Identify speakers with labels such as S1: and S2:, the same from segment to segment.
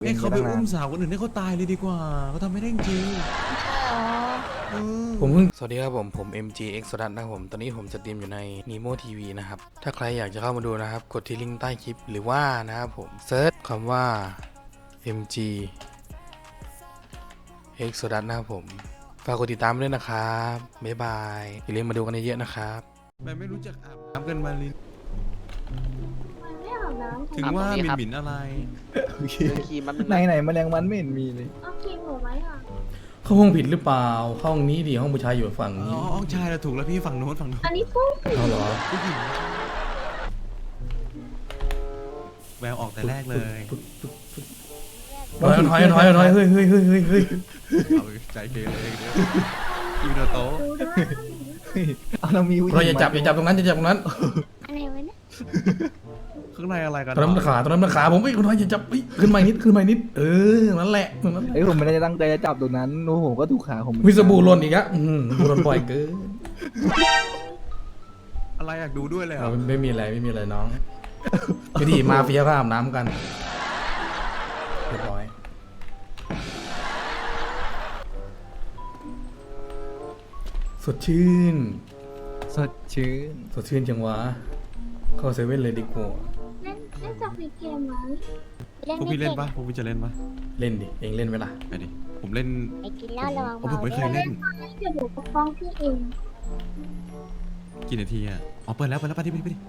S1: ให้เขาไปอุ้มสาวคนอื่นให้เขาตายเลยดีกว่าเขาทำไม่ได้จริงผมเพิ่งสวัสดีครับผม MGX สดันนะครับผมตอนนี้ผมสตรีมอยู่ใน Nemo TV นะครับถ้าใครอยากจะเข้ามาดูนะครับกดที่ลิงก์ใต้คลิปหรือว่านะครับผมเซิร์ชคำว่า MGX สดันนะครับผมฝากกดติดตามด้วยนะครับบ๊ายบายอย่าลืมมาดูกันเยอะๆนะครับไม่รู้จักอาบน้ำกันมาลินถึงว่าหมิ่นอะไร
S2: ไหนแมลงวันไม่เห็นมีเลย
S3: เอาครีมหนูไหมอ่ะ
S4: เข้าห้องผิดหรือเปล่าห้องนี้ดิห้องผู้ชายอยู่ฝั่ง
S1: อ๋
S4: นี้
S1: อห้องชายเราถูกแล้วพี่ฝั่งโน้น
S3: อันนี้ฟุ้ง
S4: เอาเหรอ
S1: ผู้หญิงแววออกแต่แรกเลย
S4: ถอยเฮ้ย
S1: เอาใจเกเรเลยยูโนโตะ
S3: ดูด้วย
S2: เอาเรามี
S4: เราอย่าจับตรงนั้นอย่าจับตรงนั้น
S3: อะไรวะเนี่ย
S1: ข้างในอะไรกัน
S4: ตรงนั้นมันขาผมคนน้อยอย่าจับขึ้นมานิดนั่นแหละ
S2: เอ้ยผมไม่ได้ตั้งใจจะจับตรงนั้นนู้ผมก็ถูกขาผม
S4: วิสบูหล่นอีกอะบูหล่นบ่อยเกิน
S1: อะไรอยากดูด้วยเลยอ่ะ
S4: ไม่มีอะไรน้องวิธีมาเฟียก็อาบน้ำกันเรียบร้อยสดชื่น
S2: สดชื่น
S4: จังวะเข้าเซเว่นเลยดีกว่า
S3: เล่นจากในเกมไหม
S1: พวกพี่เล่นปะพวกพี่จะเล่นปะ
S4: เล่นดิเองเล่นไหมล่ะ
S1: ไปดิผมเล่น
S3: ไอ้กินเหล้าระวัง
S1: ผมไม่เคยเล่น
S3: เดี๋ยวหนูปกป้องพี่เอง
S1: กี่นาทีอ่ะอ๋อเปิดแล้วไปดิ
S3: พี่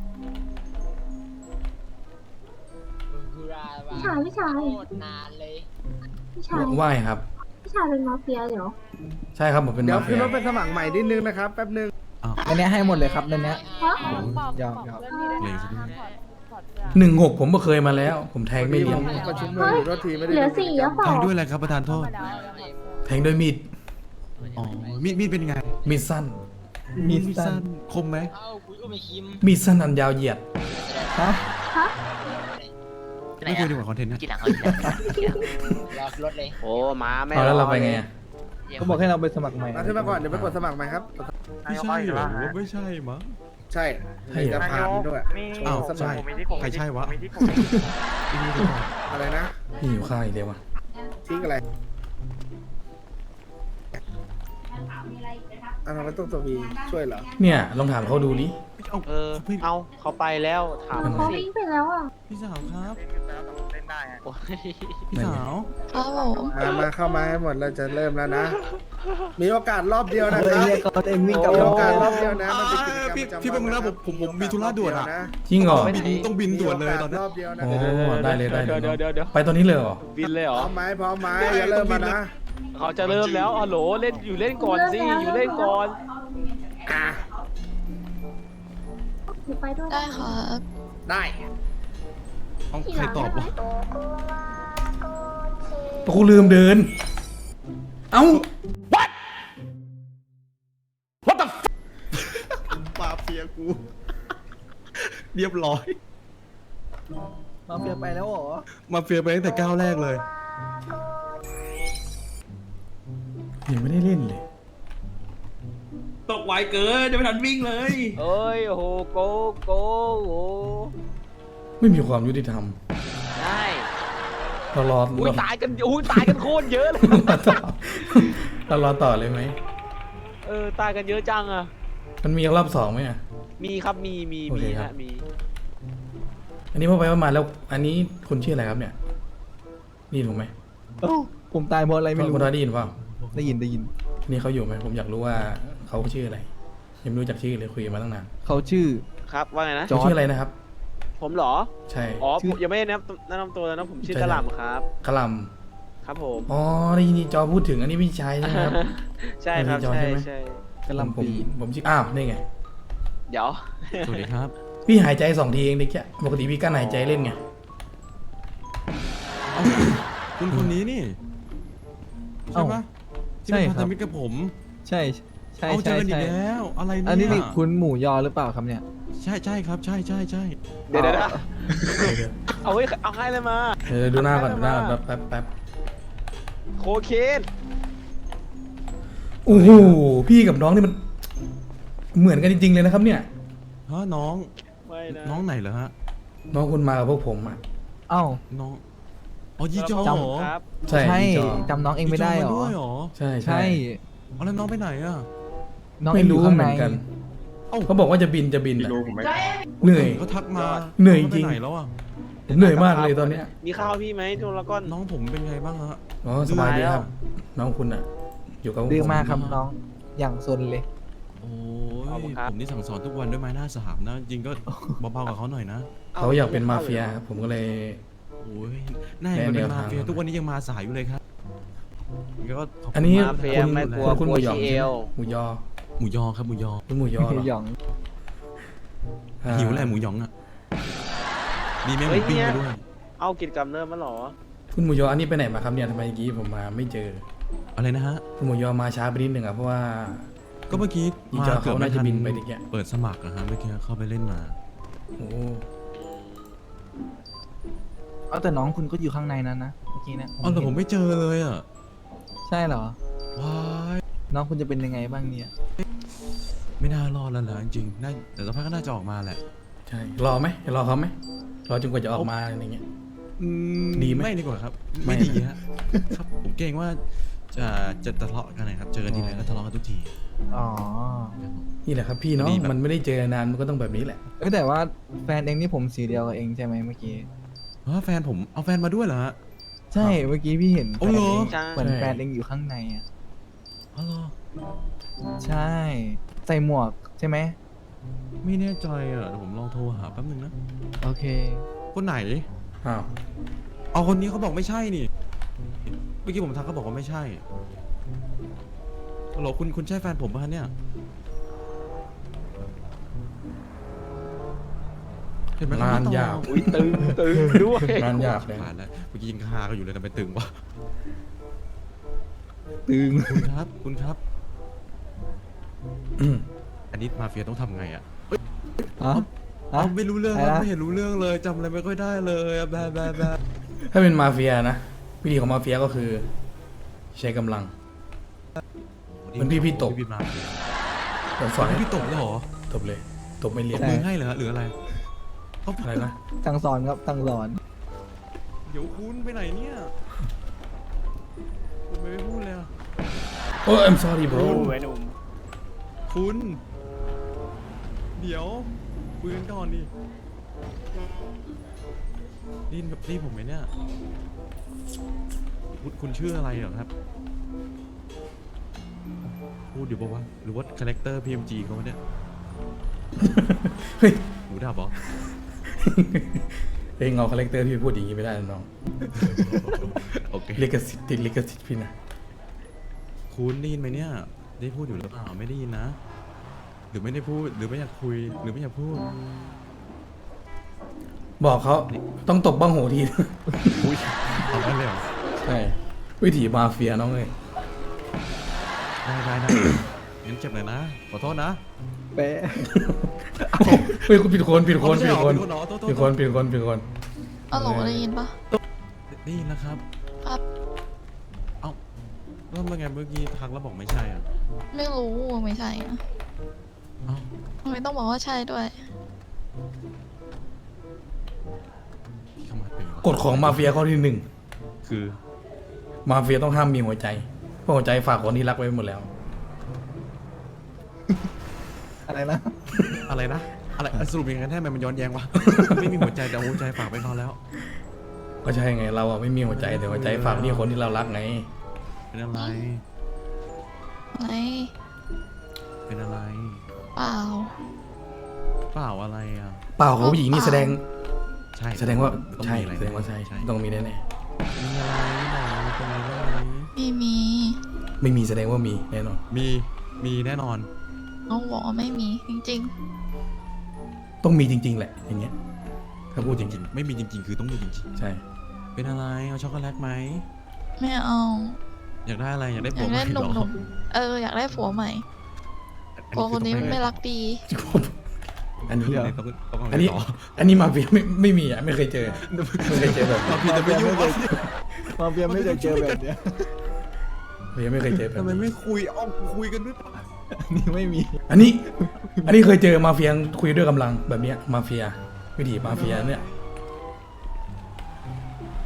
S3: ชาย
S5: โคตรนานเลย
S3: พี่ชาย
S4: ว่ายครับ
S3: พี่ชายเป็นมาเฟียเหรอ
S4: ใช่ครับผมเป็น
S6: เดี๋ยว
S4: มาเฟี
S6: ขึ้น
S4: ย
S6: รถเป็นสมัครใหม่นิดนึงนะครับแป๊บนึง
S2: อันเนี้ยให้หมดเลยครับในเนี้ย
S3: ฮะ
S2: ยอม
S1: เลยสิ
S4: 16ผมก็เคยมาแล้ว ผมแทงไม่เลี้ยง
S6: ประชุมมืออยู่รถทีไม่ได้
S3: เหลือ4แล้วเปล่า
S1: แทงด้วยอะไรครับประธานโทษ
S4: แทงด้วยมีด
S1: อ๋อมีดเป็นไง
S4: มีดสั้น
S2: มี
S1: มีด
S2: สั้
S1: สั้
S2: น
S1: นคมไหม
S5: เอ้าคุยก็ไม่คิม
S4: มีดสั้นอันยาวเหยียด
S2: ฮะ
S3: ฮะ
S1: ไม่คุยดีกว่าคอนเทนต์นะ
S5: กี่หลังรอรถเลย โอ้มาไม่
S4: เอาแล้วเราไปไงอะ
S2: เขาบอกให้เราไปสมัครใหม่
S6: มาขึ้นมาก่อนเดี๋ยวไปกดสมัครใหม่ครับ
S1: ไม่ใช่เหรอไม่ใช่มั้ง
S6: ใช่จะผ่านด้วย
S1: อ้าว
S6: สมั
S1: ใช่
S6: คร
S1: ใครใช่วะ
S6: อะไรนะ
S4: พี่อยู่ข้าวอีกเดียววะ
S6: ทิ้งอะไรทำไมต้องตัววีช่วยเหรอ
S4: เนี่ยลองถามเขาดูดิ
S7: เอาเขาไปแล้วถาม
S3: เขา
S7: สิ
S3: วิ่งไปแล้วอ่ะ
S1: พี่สาวครับ
S7: โอ้ย
S1: พี่สาว
S6: มาเข้ามาให้หมดเราจะเริ่มแล้วนะ มีโอกาสรอบเดียวนะ
S2: เฮ้ย
S6: ครับ
S2: เนี่ยเขาเองวิ่งกลับ
S6: มี
S2: ร
S6: โอกาสร
S2: ถ
S6: อบเดียวนะมันเป็นกิจกรรม
S1: พี่
S6: ประจำวัน
S1: พี่แป๊บนึงนะผมมีธุระด่วนอ่ะ
S4: จริงเหรอ
S1: ต้องบินด่วนเลยตอนนี้
S6: รอบเดียวนะ
S4: โอ้ได้เลย
S7: เดี๋ยว
S4: ไปตอนนี้เลยเหรอ
S7: บินเลยเหร
S6: พ
S7: อ
S6: ร้อมไหมอย่าเริ่มมานะ
S7: เขาจะเริ่มแล้วฮัลโหลเล่นอยู่เล่นก่อนสิอยู่เล่นก่อน
S6: อ่ะ
S3: หนูไปด้วย
S8: ได้ครับ
S6: ได้
S1: เอาใครตอบวะ
S4: กูลืมเดิน เอ้า
S1: ปาเฟียกู เรียบร้อย
S2: มาเฟียไปแล้วเหรอ
S1: มาเฟียไปตั้งแต่ก้าวแรกเลย
S4: ยังไม่ได้เล่นเลย
S9: ตกไวเกินจะไม่ทันวิ่งเลย
S7: เอ้ยโอ้โหโกโอ้โห
S4: ไม่มีความยุติธรรม
S7: ได้
S4: เรารอ
S7: อุ้ยตายกันโคตรเยอะเลย
S4: เรารอต่อเลยไหม
S7: ตายกันเยอะจังอ่ะ
S4: มันมีรอบ2ไหมอ่ะ
S7: มีครับมี
S4: โอเคครับ
S7: ฮะมี
S4: อันนี้พอไปมาแล้ว อันนี้คุณชื่ออะไรครับเนี่ยได้ยินผมไหม
S2: เอ้าผมตายเพราะอะไรไม่รู้
S4: คุณได้ยินเปล่า
S2: ได้ยิน
S4: นี่เขาอยู่ไหมผมอยากรู้ว่าเขาชื่ออะไร ยังไม่รู้จักชื่อเลยคุยกันมาตั้งนาน
S2: เขาชื่อ
S7: ครับว่าไงนะ
S2: จอร์จ
S4: ชื่ออะไรนะครับ
S7: ผมเหรอ
S4: ใช่
S7: อ๋อ
S2: ชื่อ
S7: ผมยังไม่ได้แนะนำตัวนะผมชื่อกะหล่ำครับ
S4: กะหล
S7: ครับผม
S4: ำอ๋อได้ยินจอพูดถึงอันนี้พี่ชายใช่ไหมครับ
S7: ใช่ครับ
S4: จอ
S7: ใช่
S4: ใช่ไหม
S7: ใช่
S2: กระหลำปี
S4: ผมชื่ออ้าวนี่ไง
S7: เดี๋ยว
S1: สวัสดีครับ
S4: พี่หายใจ2 ทีเองเด็กแค่ปกติพี่กั้นหายใจเล่นไง
S1: คุณคนนี้นี่ ใช่ปะที่เป็นพันธมิตรกับผม
S2: ใช่
S1: เอาเจอกันอีกแล้ว อะไรเนี่ย
S2: อันนี้นี่คุณหมูยอหรือเปล่าครับเนี่ย
S1: ใช่ครับ ใช่
S7: เดี๋ยวเอาให้เลยมา
S4: ดูหน้าก่อนแป๊บ
S7: โคเคน
S4: โอ้โหพี่กับน้องนี่มันเหมือนกันจริงๆเลยนะครับเนี่ย
S1: ฮะน้อง
S7: ไม่นะ
S1: น้องไหนเหรอฮะ
S4: น้องคุณมากับพวกผมอ่ะ
S2: เอ้า
S1: น้อง
S8: อ๋อยีจอ
S2: จำ
S8: เหรอ
S7: ครับ
S1: ใช่
S2: ใช่
S1: พี่จอ
S2: จำน้องเองไม่ได้หร
S8: ยีจ
S2: อ
S8: ด้วยเหรอ
S1: ใช่
S2: ใช่
S8: เอาแล้วน้องไปไหนอ่ะ
S2: น้อง
S1: ไม่
S2: เอง
S1: รู้
S2: ดูข้าง
S1: เห
S2: ใน
S1: มือนกัน
S8: เอ้า
S1: เขาบอกว่าจะบินอะ
S8: ไม่
S1: เหนื่อย
S8: เขาทักมา
S1: เหนื่อย
S8: ขาไป
S1: จริง
S8: ไหนแล้วอ่ะ
S1: เหนื่อยมากเลยตอนเนี้ย
S7: มีข้าวพี่ไหมทุกละก้อน
S8: น้องผมเป็นไงบ้างฮะ
S1: อ๋อสบายดีครับ น้องคุณอะอยู่กับ
S2: ดื้อมาก
S1: ผ
S2: ครับน้องอย่างซนเลย
S8: โอ้
S7: ขอบคุณ
S8: ย
S7: ครับ
S8: ผมนี่สั่งสอนทุกวันด้วยไม้หน้าสามนะ จริงก็เบาๆกับเขาหน่อยนะ
S1: เขาอยากเป็นมาเฟียครับผมก็เลย
S8: โอ้ยน่าจะเป็น
S1: แนว
S8: มา
S1: ทาง
S8: เฟียทุกวันนี้ยังมาสายอยู่เลยครับก็ขบคุณ
S1: อันนี้
S8: มาก
S7: มาเฟีย
S1: คุณ
S7: ไม่กลัว
S1: คุณ
S7: ก
S1: ห
S7: ลั
S1: มู
S7: ว
S1: หยอง
S7: ขี้เอ
S1: ใช่ไหม
S7: ว
S1: หมูยอ
S8: หมูยอครับหมูยอ
S1: คุณหมูยอเหรอ
S2: หยอง
S1: า
S8: หิวแหละหมูยองอ่ะดีไหมห
S7: เฮ้
S8: มู
S7: ย
S8: ปิ้ง
S7: เนี่ย
S8: มาด้วย
S7: เอากิจกรรมเริ่มมาหรอ
S1: คุณหมูยออันนี้ไปไหนมาครับเนี่ยทำไมเมื่อกี้ผมมาไม่เจอ
S8: อะไรนะฮะ
S1: คุณหมูยอมาช้าไปนิดหนึ่งอะเพราะว่า
S8: ก็เมื่อกี้
S1: ยี
S8: มา
S1: จอ
S8: เกือบ
S1: เขา
S8: ไม่
S1: น่าจะ
S8: ทัน
S1: บินไปดิแก
S8: เปิดสมัครนะฮะเมื่อกี้เข้าไปเล่นมา
S1: โอ้
S2: เอาแต่น้องคุณก็อยู่ข้างในนั้นนะเมื่อกี้นะ
S8: อ๋อแต่ผมไม่เจอเลยอ่ะ
S2: ใช่เหรอ
S8: ว้าย
S2: น้องคุณจะเป็นยังไงบ้างเนี่ย
S8: ไม่น่ารอดแล้วนะจริงๆน่าแต่สักพักก็น่าจะออกมาแหละ
S1: ใช่รอไหมรอเขาไหมรอจนกว่าจะออกมาอะไรเงี้ย ดีไหม
S8: ไม่ดีกว่าครับ
S1: ไม่
S8: ไม่ดีฮะครับผมเกรงว่าจะทะเลาะกันนะครับเจอกันทีไรก็ทะเลาะกันทุกที
S2: อ๋อ
S1: นี่แหละครับพี่เนาะ
S8: ดีแบบ
S1: มันไม่ได้เจอนานมันก็ต้องแบบนี้แหละ
S2: แต่ว่าแฟนเองนี่ผมสีเดียวกับเองใช่ไหมเมื่อกี้
S8: แฟนผมเอาแฟนมาด้วยเหรอฮะ
S2: ใช่เมื่อกี้พี่เห็น
S8: โอ้เหรอ
S7: ใช่
S2: เหมือนแฟนเองอยู่ข้างในอ่ะ
S8: อ๋อเหรอ
S2: ใช่ ใส่หมวกใช่ไหม
S8: ไม่แน่ใจอ่ะเดี๋ยวผมลองโทรหาแป๊บนึงนะ
S2: โอเค
S8: คนไหน
S1: อ้าว
S8: เอาคนนี้เขาบอกไม่ใช่นี่เมื่อกี้ผมทักเขาบอกว่าไม่ใช่ฮัลโหลคุณใช่แฟนผมป่ะเนี่ยเห็นไหมเขา
S1: งาน
S8: ไม่ตอบ
S1: ยาก
S7: อุ้ยตึงด้วย
S1: งานยากเลย
S8: ผ่านแล้วเมื่อกี้ยังคากันอยู่เลยทำไมตึงวะ
S2: ตึง
S8: คุณครับ คุณครับ
S1: อืม
S8: อันนี้มาเฟียต้องทำไงอ่ะ
S2: ฮะ
S8: เอาไม่รู้เรื่อง
S2: อะไร
S8: ครับ
S2: นะ
S8: ไม่เห็นรู้เรื่องเลยจำอะไรไม่ค่อยได้เลยอะแบบ
S1: ถ้าเป็นมาเฟียนะวิธีของมาเฟียก็คือ ใช้กำลัง เหมือนพี่ตบ
S8: พี่มา
S1: ผมสอนให้
S8: พี่ตบเลยเหรอ
S1: ตบเลยตบไม่เรี
S8: ต
S1: ยน
S8: บมือให้เหรอหรืออะไรเขา
S1: อะไรนะ
S2: สั่งสอนครับสั่งสอน
S8: เดี๋ยวคุณไปไหนเนี่ยคุณไม่พูดเลยอะ
S1: โอ้ I'm sorry bro
S7: รู้ไว้หนุ่ม
S8: คุณ เดี๋ยวคุยกันก่อนดิได้ยินกับพี่ผมไหมเนี่ยคุณชื่ออะไรเหรอครับพูดอยู่ปะวะหรือว่าคาแรคเตอร์ PMG เขาวะเนี่ย
S1: เฮ้ย
S8: หูดับเหรอ
S1: เองเอาคาแรคเตอร์พี่พูดอย่างนี้ไม่ได้นะน้อง
S8: โอเค
S1: ลิขสิทธิ์ติดลิขสิทธิ์พี่นะ
S8: คุณได้ยินไหมเนี่ย ได้พูดอยู่หรือเปล่าไม่ได้ยินนะ หรือไม่ได้พูดหรือไม่อยากคุยหรือไม่อยากพูด
S1: บอกเขาต้องตบบ้างโหที
S8: อุ้ยเอาได้เลยเหรอ
S1: ใช่วิถีมาเฟียน้องเลย
S8: ได้งั้นเจ็บหน่อยนะขอโทษนะ
S2: เป๊ะ
S1: เฮ้ยคุณผิดคนผิดคน
S8: เอาไม่
S1: ผิ
S8: ใช่
S1: ด
S8: เหรอ
S1: คน
S8: ผิดคนเหรอโทษ
S1: ผิดคนผิดคนผิดคน
S10: อ๋อหลได้ยินปะ
S8: ได้ยินแล้วครับ
S10: ครับ
S8: เอ้าแล้วเมื่อไงเมื่อกี้ทักแล้วบอกไม่ใช่อ่ะ
S10: ไม่รู้ไม่ใช่อะ
S8: เอ้า
S10: ทำไมต้องบอกว่าใช่ด้วย
S8: พี่เข้ามาเป็นวะ
S1: กฎของมาเฟียข้อที่หนึ่ง
S8: คือ
S1: มาเฟียต้องห้ามมีหัวใจเพราะหัวใจฝากคนที่รักไว้หมดแล้ว
S2: อะไรนะ
S8: อะไรนะอะไรสรุปยังไงแท้ไหมมันย้อนแย้งวะ ไม่มีหัวใจแต่หัวใจฝากไปเขาแล้ว
S1: ก็ใช่ไงเราอะไม่มีหัวใจแต่หัวใจฝากที่คนที่เรารักไง
S8: เป็นอะไร
S10: อะไร
S8: เป็นอะไร
S10: เปล่า
S8: เปล่าอะไรอ่ะ
S1: เปล่าของผู้หญิงนี่แสดง
S8: ใช่
S1: แสดงว่า
S8: ต้อง
S1: ใช่
S8: มีอะไร
S1: แสดงว่าใช่ต้องมีแน่
S8: มีอะไรบอกมีตรงนี้ว่าอะไร
S10: ไม่มี
S1: ๆไม่มีแสดงว่ามีแน่นอน
S8: มีแน่นอน
S10: น้องบอกว่าไม่มีจริง
S1: ต้องมีจริง ๆ แหละอย่างเงี้ยถ้าพูดจริง
S8: ไม่มีจริงๆ คือต้องมีจริง
S1: ๆใช่
S8: ๆ เป็นอะไรเอาช็อกโกแลตไหม
S10: ๆ ไม่เอา
S8: อยากได้อะไรอยากได้
S10: อ
S8: ผั
S10: ยาว ก
S8: ให
S10: ได้
S8: ม่
S10: ห
S8: เหรอ
S10: นุ่มๆอยากได้ผัวใหม่ผัวคนนี้ไม่รักดี
S1: อันนี้
S8: เดี๋ยว
S1: อันนี้อันนี้มาเฟียไม่มีอ่ะไม่เคยเจอไม่เคยเจอแบบนี้
S8: พี่จะไปยุ่งวะ
S2: มาเฟียไม่เคยเจอแบบเนี้ย
S1: เฟียไม่เคยเจอแบบ
S8: ทำไม
S1: นี้
S8: ไม่คุยคุยกันด้วยปะ
S2: นี่ไม่มี
S1: อันนี้เคยเจอมาเฟียคุยด้วยกำลังแบบเนี้ยมาเฟียวิถีมาเฟียเนี่ย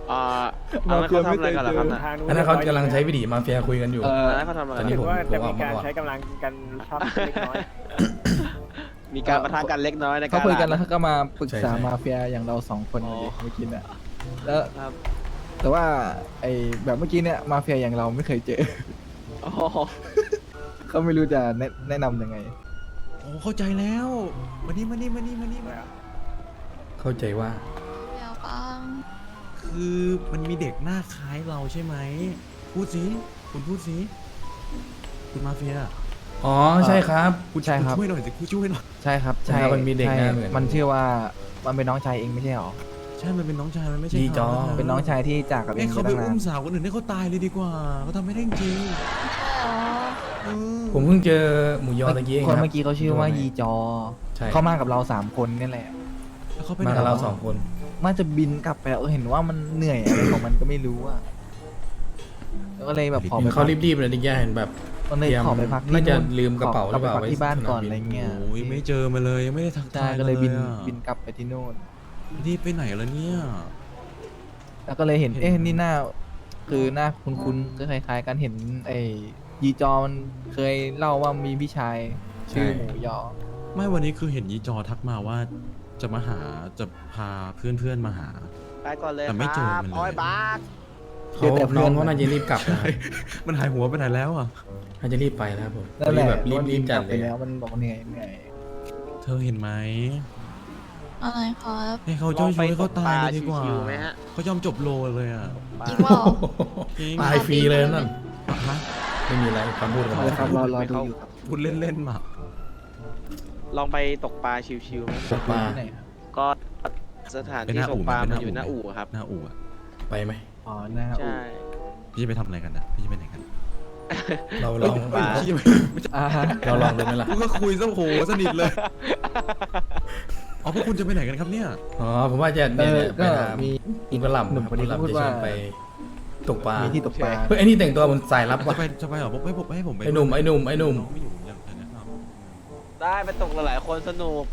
S7: อันนั้นเขาทำอะไรกันเหรอครับนะ
S4: อันนั้นเขากำลังใช้วิธีมาเฟียคุยกันอยู่
S7: อันนั้นเขาทำอะไร
S4: ตอนนี้ผม
S2: ว่าจะ
S4: อ
S2: มี
S4: อกมา
S2: การ
S4: ก่อน
S2: ใช้กำลังกันชอบเล็กน้อย
S7: มีการประทะกันเล็กน้อยในการ
S2: เขาคุยกันแล้วเขาก็มาปรึกษา
S4: ใช่
S2: มาเฟียอย่างเราสองคน
S7: อ๋อ
S2: เมื่อกี้เนี่ยแล้ว
S7: ครับ
S2: แต่ว่าไอ้แบบเมื่อกี้เนี่ยมาเฟียอย่างเราไม่เคยเจอ
S7: อ๋อ
S2: เขาไม่รู้จะแนะนำยังไง
S8: โอ้เข้าใจแล้วมานี่มานี่มานี่มานี่มา
S4: เข้าใจว่า
S10: เดี๋ยวปัง
S8: คือมันมีเด็กหน้าคล้ายเราใช่ไหมพูดสิคุณพูดสิคุณมาเฟีย
S4: อ๋อใช่ครับ
S8: คุณ
S2: ใช่ครับ
S8: ช่วยหน่อยสิคุณช่วยหน่อย
S2: ใช่ครับ
S4: ใช่ครับมันมีเด็กหน้าเหมือน
S2: มันชื่อว่ามันเป็นน้องชายเองไม่ใช่หรอ
S8: ใช่มันเป็นน้องชายมันไม่ใช่
S4: ยีจอ
S8: เขาะ
S2: เป็นน้องชายที่จากกับเอ
S8: ให้
S2: ง
S8: เขา
S2: มา
S8: ไป
S2: ตั้งนา
S8: อุ้
S2: น
S8: มสาวคนอื่นให้เขาตายเลยดีกว่าเขาทำไม่ได้จริง
S10: ใช่เหรอ
S8: เออ
S4: ผมเพิ่งเจอหมูยอตะกี้เอง
S2: คน
S4: ครับ
S2: เมื่อกี้เขาชื่อว่ายีจอ
S4: ใช่
S2: เขามากับเรา3 คนนี่แหละ
S8: แล้วเขาไป
S4: มา
S8: ไหน
S4: กับเรา
S8: วะ
S4: 2 คน
S2: น่าจะบินกลับไปแล้วเห็นว่ามันเหนื่อยอะไรของมันก็ไม่รู้อะแล้วก็เลยแบบขอไป
S4: เขารีบๆเลยดิแกเห็นแบบ
S2: มันเลยขอไปพักที่
S4: น่าจะ
S2: นู่น
S4: ลืมกระเป๋าหรือเปล่า
S2: ขไปพักที่บ้านก่อนอะไรเงี้ย
S8: โอ้ยไม่เจอมาเลยยังไม่ได้ทัก
S2: ใช่
S8: ทาย
S2: ก็เลยบิน
S8: อะ
S2: บินกลับไปที่นู่น
S8: รีบไปไหนแล้วเนี่ย
S2: แล้วก็เลยเห็น นี่หน้า คือหน้าคุ้นๆก็คล้ายๆกันเห็นไอ้ยีจอมันเคยเล่าว่ามีพี่ชายชื่อหมูยอ
S8: ไม่วันนี้คือเห็นยีจอทักมาว่าจะมาหาจะพาเพื่อนๆมาหา
S7: ไปก่อนเลย
S8: แต่ไม่เจอมันเลย
S7: โอ้ยบาส
S2: เจอแต่เพื่
S4: น้
S2: อ
S4: อน งเขาน่าจะรีบกลับนะครับ
S8: มันหายหัวไปไหนแล้วอ่ะ
S4: น่าจะรีบไปนะครับผม
S2: นั่นแหละ
S4: แบบรีบๆจัด
S2: กลับ
S4: เล
S2: ไป
S4: ย
S2: แล้วมันบอกเหนื่อยเหนื่อย
S8: เธอเห็นไหม
S10: อะไรครับ
S8: ให้เขาช่วยให้เขาตายเลยดีกว่า
S7: ชิวๆไหมฮะ
S8: เขายอมจบโลเลยอ่ะ
S10: จริงเปล่า
S8: จริง
S4: ตายฟรีเลยนั่น
S8: ฮะ
S4: ไม่มีอะไรคำพูดของ
S2: เอา
S4: เรา
S2: ละครับรอดูอยู่ครับ
S8: พูดเล่นๆมา
S7: ลองไปตกปลาชิวๆไหม
S4: ตกปลา
S2: ที่ไหนครับ
S7: ก็สถานที่ตกปลามันอยู่หน้าอู่ครับ
S8: หน้าอู่อะ
S4: ไปไหม
S2: อ๋อหน้าอู่
S7: ใช่
S8: พี่จะไปทำอะไรกันนะพี่จะไปไหนกัน
S4: เราลอง
S7: ปลา
S8: พี่จะไป
S2: อ่าฮะ
S4: เราลองดูไหมล่ะ
S8: กูก็คุยซะโหสนิทเลยอ๋อพวกคุณจะไปไหนกันครับเนี่ย
S4: อ๋อผมว่าจะเนี่ยไป
S2: ก็
S4: ถาม
S2: มี
S4: คุณกระหล่ำ
S2: หนุ่มคนนี้
S4: คุณกระห
S2: พูด
S4: ล่ำจะช
S2: ว่า
S4: วนไปตกปลา
S2: มีที่ตกปลา
S4: เฮ้ยไอ้นี่แต่งตัวมันสายลับ
S8: จะ
S4: ว่ะ
S8: ไปเหรอบอกให้ผมไป
S4: ไอ้หนุ่ม
S8: น้องไม่อยู่อย่างเธอนะครับ
S7: ได้ไปตกหลายๆคนสนุก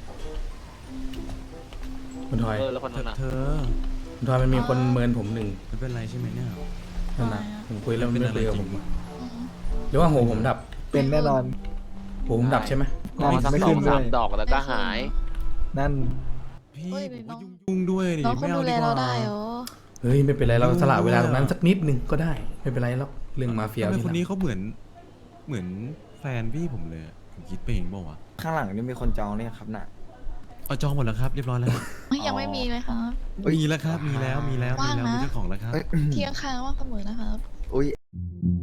S4: คุณทอย
S7: แล้วคนนั้นน่ะ
S8: เธอ
S4: คุณทอยมันมีคนเมินผมหนึ่ง
S8: ไม่เป็นไรใช่ไหมเนี่ย
S4: นั่นนะผมคุยแล้วมัน
S8: เป็น
S4: ไม่
S8: อะไร
S4: คุยกับ
S8: จ
S4: ผ
S8: ริ
S4: ม
S8: ง
S10: อืม
S4: หรือว่าโหผมดับ
S2: เป็นแน่นอน
S4: โหผมดับใช่ไหม
S2: นอน
S7: สัก
S2: ไม่
S7: สอ
S2: ขึ้
S7: ง
S2: นด้
S7: สา
S2: วย
S7: มดอกแล้วก็หาย
S2: นั่น
S8: พี่
S10: เฮ้ย
S8: ผม
S10: น้
S8: ก็
S10: อง
S8: ยุ่งๆด้วยดิ
S10: น้องค
S8: ไม่
S10: น
S8: เอา
S10: ดูแล
S8: ดีก
S10: เรา
S8: ว่า
S10: ได้เหรอ
S4: เฮ้ยไม่เป็นไรเราสละเวลาตรงนั้นสักนิดนึงก็ได้ไม่เป็นไรหรอกเรื่องมาเฟีย
S8: ทำไม
S4: ที่
S8: คนนี้
S4: หลัง
S8: เขาเหมือนแฟนพี่ผมเลยอะผมคิดไปเองเปล่าวะ
S11: ข้างหลังนี่มีคนจองเนี่ยครับน่ะ
S8: เอาจองหมดแล้วครับเรียบร้อยแล้ว
S10: เฮ้ยยังไม่มีเลยครับ
S8: มีแล้วครับมีแล้วมี
S10: ว่างนะ
S8: มีเจ้าของแล้วครับ
S10: ที่ข้างๆว่างเสมอนะครับ
S11: อุ้ย